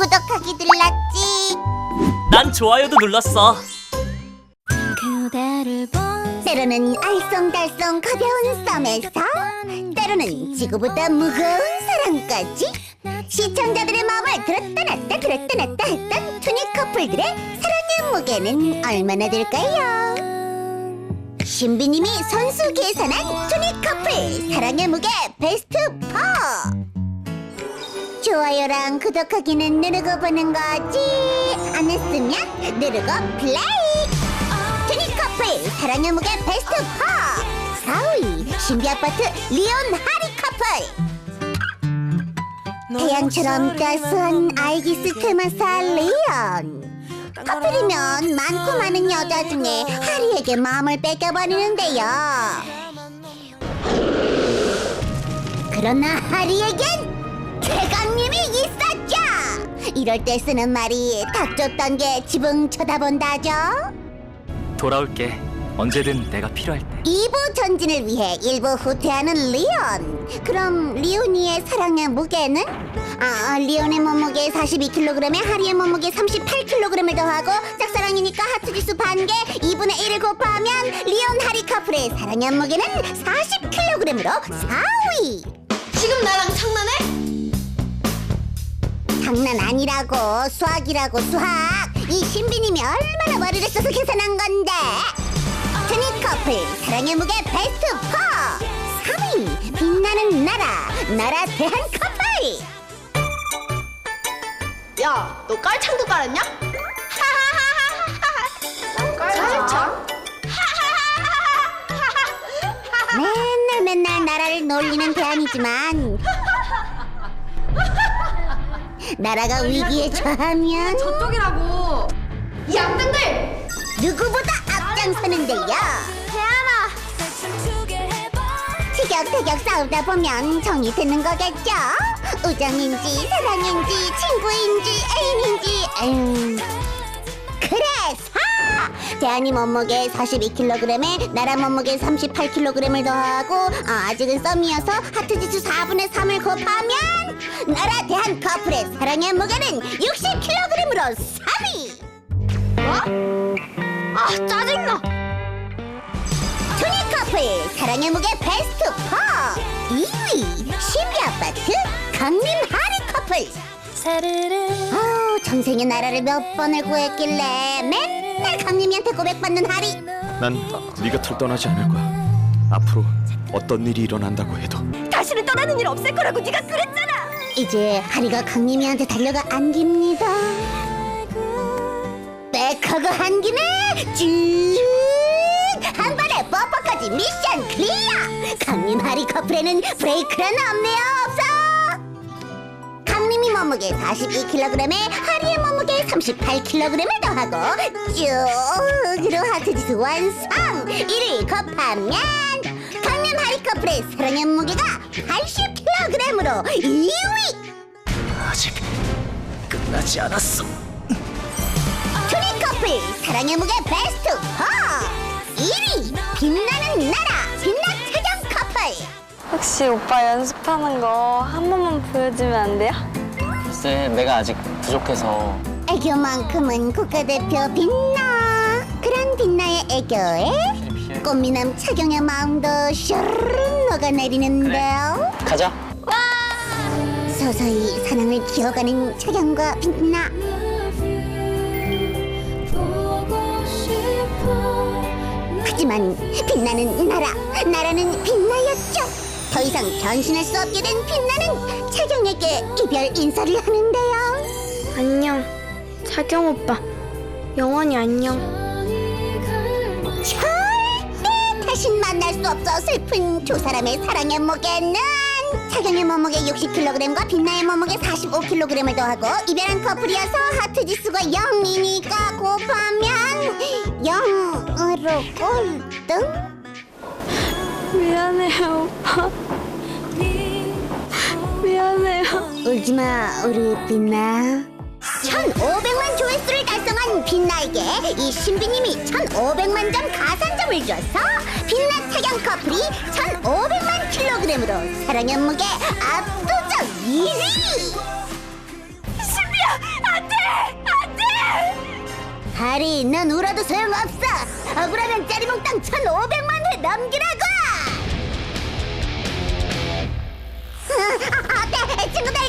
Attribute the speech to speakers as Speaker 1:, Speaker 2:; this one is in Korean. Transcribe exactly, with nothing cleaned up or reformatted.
Speaker 1: 구독하기 눌렀지?
Speaker 2: 난 좋아요도 눌렀어.
Speaker 3: 그대를 본
Speaker 1: 때로는 알쏭달쏭 가벼운 썸에서 때로는 지구보다 무거운 사랑까지 시청자들의 마음을 들었다 놨다 들었다 놨다 했던 투니 커플들의 사랑의 무게는 얼마나 될까요? 신비님이 선수 계산한 투니 커플 사랑의 무게 베스트 사. 좋아요랑 구독하기는 누르고 보는 거지. 안 했으면 누르고 플레이. 투니 커플 사랑의 무게 베스트 사. 사 위 신비 아파트 리온 하리 커플. 태양처럼 따스한 아이기스 테마사 리온. 커플이면 많고 많은 여자 중에 하리에게 마음을 뺏겨버리는데요. 그러나 하리에겐 최강님이 있었죠. 이럴 때 쓰는 말이 닥쳤던 게 지붕 쳐다본다죠.
Speaker 2: 돌아올게. 언제든 내가 필요할 때.
Speaker 1: 이 부 전진을 위해 일부 후퇴하는 리온. 그럼 리온이의 사랑의 무게는? 아, 리온의 몸무게 사십이 킬로그램에 하리의 몸무게 삼십팔 킬로그램을 더하고 짝사랑이니까 하트지수 반개 이분의 일을 곱하면 리온 하리 커플의 사랑의 무게는 사십 킬로그램으로 사 위.
Speaker 3: 지금 나랑 장난해?
Speaker 1: 장난 아니라고. 수학이라고. 수학. 이 신비님이 얼마나 머리를 써서 계산한 건데. 투니 커플 사랑의 무게 베스트 사. 삼 위 빛나는 나라 나라 대한 커플.
Speaker 3: 야, 너 깔창도 깔았냐? 깔창?
Speaker 1: 맨날 맨날 나라를 놀리는 대안이지만 나라가 위기에 처하면
Speaker 3: 저쪽이라고. 이 악당들!
Speaker 1: 누구보다 앞장서는데요.
Speaker 3: 대안아!
Speaker 1: 티격태격 싸우다 보면 정이 드는 거겠죠? 우정인지 사랑인지 친구인지 애인인지. 음. 그래서 대한이 몸무게 사십이 킬로그램에 나라 몸무게 삼십팔 킬로그램을 더하고 아, 아직은 썸이어서 하트지수 사분의 삼을 곱하면 나라 대한 커플의 사랑의 무게는 육십 킬로그램으로 삼 위.
Speaker 3: 뭐? 아, 짜증나!
Speaker 1: 투니 커플 사랑의 무게 베스트 사. 이 위 신비 아파트 강림 하리 커플. 아우, 전생에 나라를 몇 번을 구했길래 맨날 강림이한테 고백받는 하리.
Speaker 4: 난 네 곁을 떠나지 않을 거야. 앞으로 어떤 일이 일어난다고 해도.
Speaker 3: 다시는 떠나는 일 없을 거라고 네가 그랬잖아!
Speaker 1: 이제 하리가 강림이한테 달려가 안깁니다. 백허그 한 김에 쭉 한 번에 뽀뽀까지 미션 클리어. 강림 하리 커플에는 브레이크란 없네요. 없어. 강림이 몸무게 사십이 킬로그램에 하리의 몸무게 삼십팔 킬로그램을 더하고 쭉으로 하트지수 완성. 이를 곱하면 강림 하리 커플의 사랑의 무게가 팔십 킬로그램으로 이 위.
Speaker 2: 아직 끝나지 않았어.
Speaker 1: 투니 커플 사랑의 무게 베스트 사. 일 위 빛나는 나라 빛나 태경 커플.
Speaker 5: 혹시 오빠 연습하는 거 한 번만 보여주면 안 돼요?
Speaker 6: 글쎄, 내가 아직 부족해서.
Speaker 1: 애교만큼은 국가대표 빛나. 그런 빛나의 애교에 꽃미남 차경의 마음도 슈르르 녹아내리는데요.
Speaker 6: 가자.
Speaker 1: 서서히 사랑을 키워가는 차경과 빛나. 하지만 빛나는 나라, 나라는 빛나였죠. 더 이상 변신할 수 없게 된 빛나는 차경에게 이별 인사를 하는데요.
Speaker 5: 안녕, 차경 오빠. 영원히 안녕.
Speaker 1: 절대 다신 만날 수 없어 슬픈 두 사람의 사랑의 무게는 차경의 몸무게 육십 킬로그램과 빛나의 몸무게 사십오 킬로그램을 더하고 이별한 커플이어서 하트지수가 영이니까 곱하면 영으로 꼴등.
Speaker 5: 미안해요, 오빠. 미안해요.
Speaker 1: 울지마 우리 빛나. 천오백만 조회수를 달성한 빛나에게 이 신비님이 천오백만 점 가산점을 줘서 빛나 태경 커플이 천오백만 킬로그램으로 사랑의 무게 압도적 일 위.
Speaker 3: 신비야!
Speaker 1: 하리, 넌 울어도 소용없어. 억울하면 짜리몽땅 천오백만 회 넘기라고. 아, 아, 어때 친구들?